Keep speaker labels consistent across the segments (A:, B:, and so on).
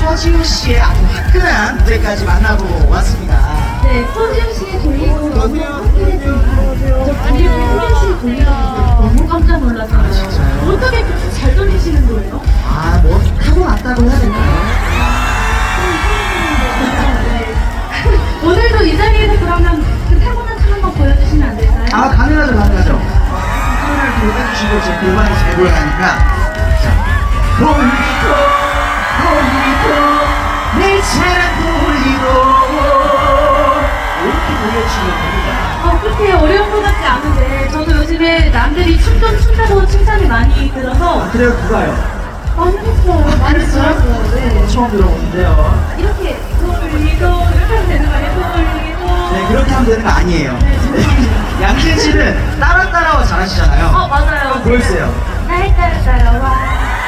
A: 서지훈 씨의 아주 화끈한 무대까지 만나보고 왔습니다.
B: 네, 서지훈 씨의 돌리고 너무 화끈했지만 저 반대로 서지훈 씨의 돌리고 너무 깜짝 놀랐어요.
A: 진짜요?
B: 어떻게 그렇게 잘 돌리시는 거예요?
A: 아, 뭐 타고났다고 해야 될까요?
B: 네. 오늘도 이 자리에서 그러면 그 타고난 춤 한번 보여주시면 안 될까요?
A: 아, 가능하죠, 가능하죠. 손을 돌려주시고 제 골반이 잘 보여가니까. 자, 돌리고, 내 차를 돌리고. 이렇게 돌려주시면 됩니다.
B: 그렇게 어려운 것 같지 않은데 저도 요즘에 남들이 춤 좀 춘다고 칭찬이 많이 들어서
A: 아, 그래요, 누가요?
B: 많이 했어요. 많이 들었어요. 네.
A: 처음 들어보는데요.
B: 이렇게 돌리고 이렇게 하면 되는 거 아니에요? 돌리고.
A: 네, 그렇게 하면 되는 거 아니에요. 네. 양진 씨는 따라 잘하시잖아요.
B: 맞아요.
A: 보여주세요.
B: 날 따라와.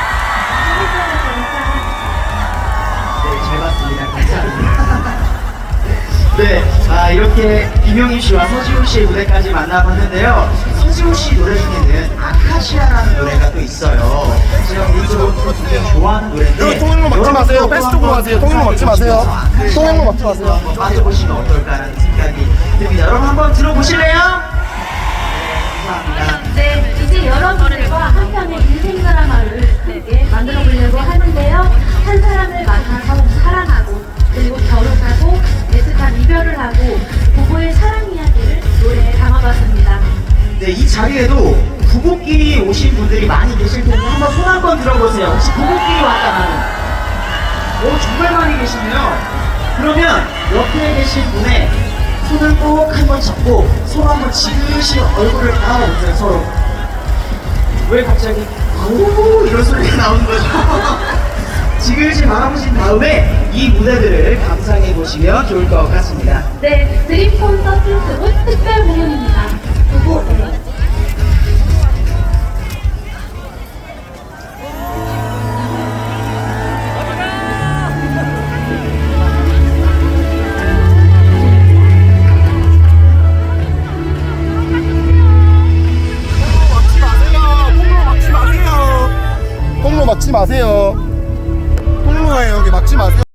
A: 네, 잘 봤습니다. 감사합니다. 네, 이렇게 김용임 씨와 서지훈 씨의 무대까지 만나봤는데요. 서지훈 씨 노래 중에는 아카시아라는 노래가 또 있어요. 제가 개인적으로 굉장히 좋아하는 노래인데
C: 여기 통일로 막지 마세요. 패스 쪽으로 가세요. 통일로 막지 마세요. 통일로 막지 마세요.
A: 한번 빠져보시면 어떨까라는 생각이 듭니다. 여러분 한번 들어보실래요? 네, 감사합니다.
B: 네, 이제 여러분들과 한 편의 인생 드라마를 함께 만들어 보려고 하는데요. 한 사람을 만나서 사랑하고, 그리고 결혼하고, 애틋한 이별을 하고, 부부의 사랑 이야기를 노래에 담아봤습니다.
A: 네, 이 자리에도 부부끼리 오신 분들이 많이 계실 텐데 한번 손 한 번 들어보세요. 혹시 부부끼리 왔다가는? 오, 정말 많이 계시네요. 그러면 옆에 계신 분의 손을 꼭 한번 잡고 손 한번 지그시 얼굴을 바라보세요, 서로. 왜 갑자기 아우 이런 소리가 나오는 거죠? 지그시 바라보신 다음에 이 무대들을 감상해 보시면 좋을 것 같습니다.
B: 네, 드림 콘서트 후 특별 공연입니다. 그리고
C: 통로 막지 마세요. 통로에 여기 막지 마세요.